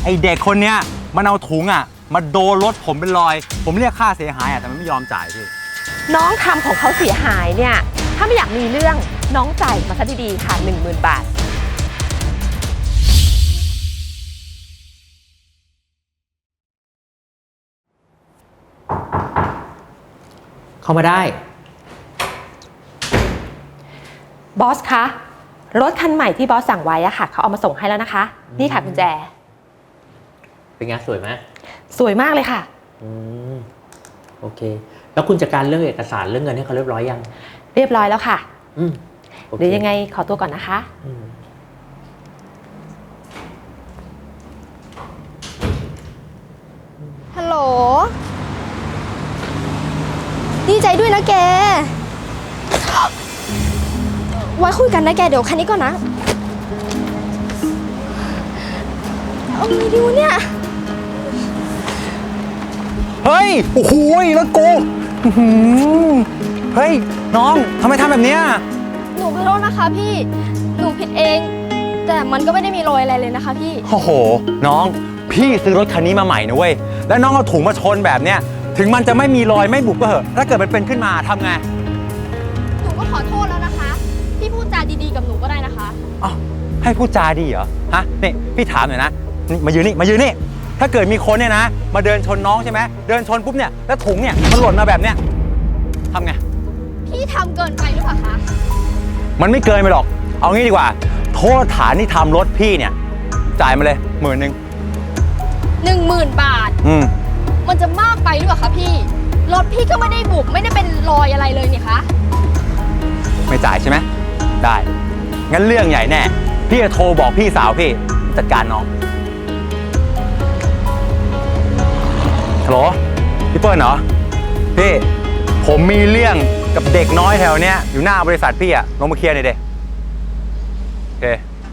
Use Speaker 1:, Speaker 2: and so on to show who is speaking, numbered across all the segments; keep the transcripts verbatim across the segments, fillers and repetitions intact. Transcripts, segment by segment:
Speaker 1: ไอเด็กคนเนี้ยมันเอาถุงอ่ะมาโดนรถผมเป็นรอยผมเรียกค่าเสียหายอ่ะแต่มันไม่ยอมจ่ายพี่
Speaker 2: น้องทำของเขาเสียหายเนี่ยถ้าไม่อยากมีเรื่องน้องจ่ายมาซะดีๆค่ะหนึ่งหมื่นบาท
Speaker 3: เข้ามาได้
Speaker 2: บอสคะรถคันใหม่ที่บอสสั่งไว้อะค่ะเขาเอามาส่งให้แล้วนะคะนี่ค่ะกุญแจ
Speaker 3: เป็นไงสวยไหม
Speaker 2: สวยมากเลยค่ะ
Speaker 3: อืมโอเคแล้วคุณจัดการเรื่องเอกสารเรื่องเงินให้เขาเรียบร้อยยัง
Speaker 2: เรียบร้อยแล้วค่ะ
Speaker 3: อืม
Speaker 2: เดี๋ยวยังไงขอตัวก่อนนะคะ
Speaker 4: ฮัลโหลดีใจด้วยนะแกไว้คุยกันนะแกเดี๋ยวคันนี้ก่อนนะเอาไงดีวะเนี่ย
Speaker 1: เฮ้ยโอ้โหแล้วกูเฮ้ยน้องทำไมทำแบบเนี้ย
Speaker 4: หนูขอโทษนะคะพี่หนูผิดเองแต่มันก็ไม่ได้มีรอยอะไรเลยนะคะพี่
Speaker 1: โอ้โหน้องพี่ซื้อรถคันนี้มาใหม่นะเว้ยแล้วน้องเอาถุงมาชนแบบเนี้ยถึงมันจะไม่มีรอยไม่บุบก็เหอะถ้าเกิดมันเป็นขึ้นมาทำไง
Speaker 4: หนูก็ขอโทษแล้วนะคะพี่พูดจาดีๆกับหนูก็ได้นะคะ
Speaker 1: อ๋อให้พูดจาดีเหรอฮะนี่พี่ถามหน่อยนะนี่มายืนนี่มายืนนี่ถ้าเกิดมีคนเนี่ยนะมาเดินชนน้องใช่ไหมเดินชนปุ๊บเนี่ยแล้วถุงเนี่ยมันหล่นมาแบบเนี้ยทำไง
Speaker 4: พี่ทำเกินไปหรือเปล่าคะ
Speaker 1: มันไม่เกินไปหรอกเอางี้ดีกว่าโทษฐานที่ทำรถพี่เนี่ยจ่ายมาเลยหมื่นหนึ่ง
Speaker 4: หนึ่งหมื่นบาท
Speaker 1: อืม
Speaker 4: มันจะมากไปหรือเปล่าคะพี่รถพี่ก็ไม่ได้บุบไม่ได้เป็นรอยอะไรเลยนี่คะ
Speaker 1: ไม่จ่ายใช่ไหมได้งั้นเรื่องใหญ่แน่พี่จะโทรบอกพี่สาวพี่จัดการน้องฮัลโหลพี่เปิ้ลเหรอพี่ผมมีเรื่องกับเด็กน้อยแถวเนี้ยอยู่หน้าบริษัทพี่อะลงมาเคลียร์หน่อยเด้โอเค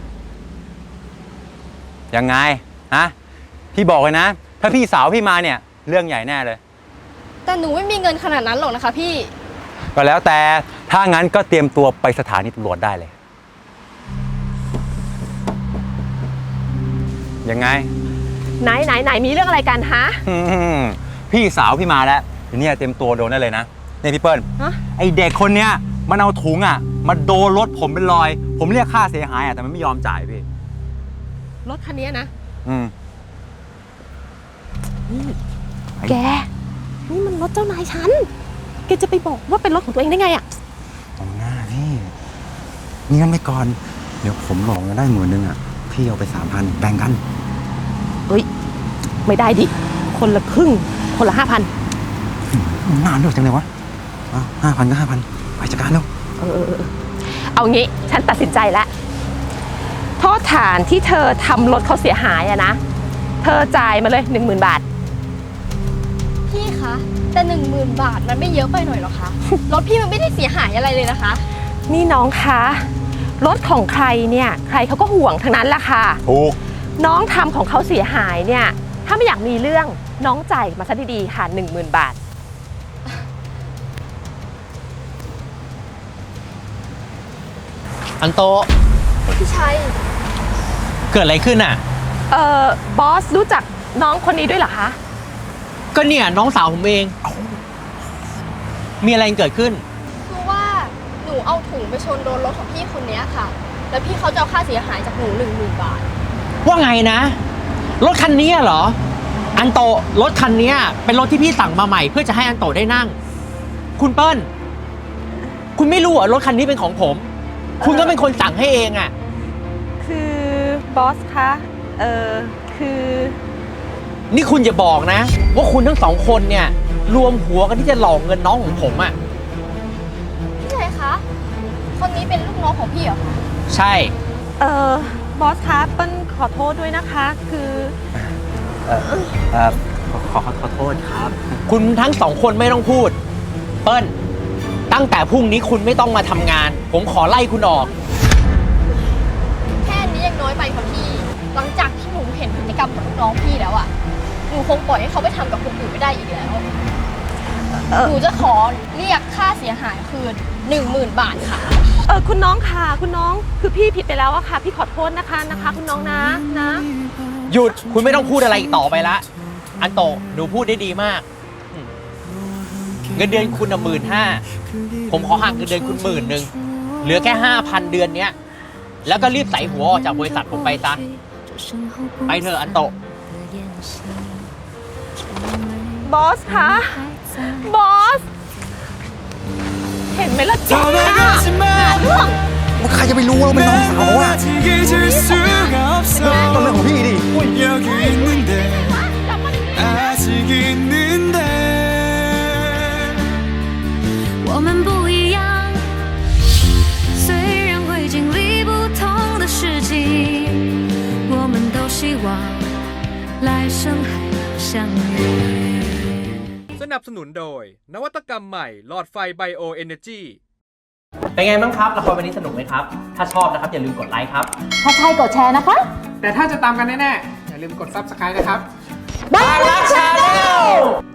Speaker 1: ยังไงฮะพี่บอกเลยนะถ้าพี่สาวพี่มาเนี่ยเรื่องใหญ่แน่เลย
Speaker 4: แต่หนูไม่มีเงินขนาดนั้นหรอกนะคะพี่
Speaker 1: ก็แล้วแต่ถ้างั้นก็เตรียมตัวไปสถานีตำรวจได้เลยยังไง
Speaker 2: ไหนไหนไหนมีเรื่องอะไรกันฮะ
Speaker 1: พี่สาวพี่มาแล้วทีนี้เตรียมตัวโดนได้เลยนะเนี่ยพี่เปิ้ลไอเด็กคนเนี้ยมันเอาถุงอ่ะมาโดนรถผมเป็นรอยผมเรียกค่าเสียหายอ่ะแต่มันไม่ยอมจ่ายพี่
Speaker 2: รถคันนี้นะ
Speaker 1: อืม
Speaker 2: แกนี่มันรถเจ้านายฉันแกจะไปบอกว่าเป็นรถของตัวเองได้ไงอ่ะ
Speaker 1: ตรงหน้าพี่นี่งั้นไม่ก่อนเดี๋ยวผมหลงกันได้หมื่นนึงอ่ะพี่เอาไปสามพันแบ่งกัน
Speaker 2: เฮ้ยไม่ได้ดิคนละครึ่งคนละห้าพัน
Speaker 1: นานด้วยจังเลยวะห้าพันก็ห้าพันไปจัดการแล้ว
Speaker 2: เออเอางี้ฉันตัดสินใจแล้วโทษฐานที่เธอทำรถเขาเสียหายอะนะเธอจ่ายมาเลยหนึ่งหมื่นบาท
Speaker 4: พี่คะแต่หนึ่งหมื่นบาทมันไม่เยอะไปหน่อยหรอคะรถพี่มันไม่ได้เสียหายอะไรเลยนะคะ
Speaker 2: นี่น้องคะรถของใครเนี่ยใครเขาก็ห่วงทั้งนั้นแหละค่ะ
Speaker 1: ถูก
Speaker 2: น้องทำของเขาเสียหายเนี่ยถ้าไม่อยากมีเรื่องน้องจ่ายมาซะดีๆค่ะหนึ่งหมื่นบาท
Speaker 3: อันโต
Speaker 4: พี่ชัย
Speaker 3: เกิดอะไรขึ้นอ่ะ
Speaker 2: เอ่อบอสรู้จักน้องคนนี้ด้วยเหรอคะ
Speaker 3: ก็เนี่ยน้องสาวผมเองมีอะไรเกิดขึ้น
Speaker 4: คือว่าหนูเอาถุงไปชนโดนรถของพี่คนนี้ค่ะแล้วพี่เขาจะเอาค่าเสียหายจากหนูหนึ่งหมื่นบาท
Speaker 3: ว่าไงนะรถคันนี้เหรออันโตรถคันนี้เป็นรถที่พี่สั่งมาใหม่เพื่อจะให้อันโตได้นั่งคุณเปิ้ลคุณไม่รู้เหรอรถคันนี้เป็นของผมคุณก็เป็นคนสั่งให้เองอ่ะ
Speaker 2: คือบอสคะเออคือ
Speaker 3: นี่คุณอย่าบอกนะว่าคุณทั้งสองคนเนี่ยรวมหัวกันที่จะหลอกเงินน้องของผมอ่ะ
Speaker 4: พี่ชัยคะคนนี้เป็นลูกน้องของพี่เหรอ
Speaker 3: ใช่
Speaker 2: เออบอสคะเปิ้ลขอโทษด้วยนะคะคือ
Speaker 1: เออเออขอขอโทษครับ
Speaker 3: คุณทั้งสองคนไม่ต้องพูดเปิ้ลตั้งแต่พรุ่งนี้คุณไม่ต้องมาทำงานผมขอไล่คุณออก
Speaker 4: แค่นี้ยังน้อยไปค่ะพี่หลังจากที่หนูเห็นพฤติกรรมของลูกน้องพี่แล้วอ่ะหนูคงปล่อยให้เขาไปทำกับคนอื่นไม่ได้อีกแล้วหนูจะขอเรียกค่าเสียหายคืนหนึ่งหมื่นบาทค่ะ
Speaker 2: เออคุณน้องค่ะคุณน้องคือพี่ผิดไปแล้วอะค่ะพี่ขอโทษนะคะนะคะคุณน้องนะนะ
Speaker 3: หยุด คุณไม่ต้องพูดอะไรอีกต่อไปละ อันโตะหนูพูดได้ดีมากอืมเงินเดือนคุณหมื่นห้าผมขอหักเงินเดือนคุณหมื่นหนึ่งเหลือแค่ห้าพันเดือนเนี้ย แล้วก็รีบใส่หัวออกจากบริษัทผมไปซะ ไปเถอะอันโตะ
Speaker 2: บอสคะ บอส เห็นไหมล่ะจ๊ะ
Speaker 1: ใครจะไปรู้ว่ามันน้องสาวอ่ะก็เรื่องของพี่ดิ
Speaker 5: 我们不一样，虽然会经历不同的事情，我们都希望来生还能相遇。
Speaker 6: สนับสนุนโดย นวัตกรรมใหม่หลอดไฟไบโอเอเนจี
Speaker 3: เป็นไงบ้างครับละครวันนี้สนุกไหมครับ ถ้าชอบนะครับอย่าลืมกดไลค์ครับ
Speaker 2: ถ้าใช่กดแชร์นะคะ
Speaker 7: แต่ถ้าจะตามกันแน่ๆ อย่าลืมกด ซับสไครบ์ นะครับ
Speaker 3: บางรักชาแนล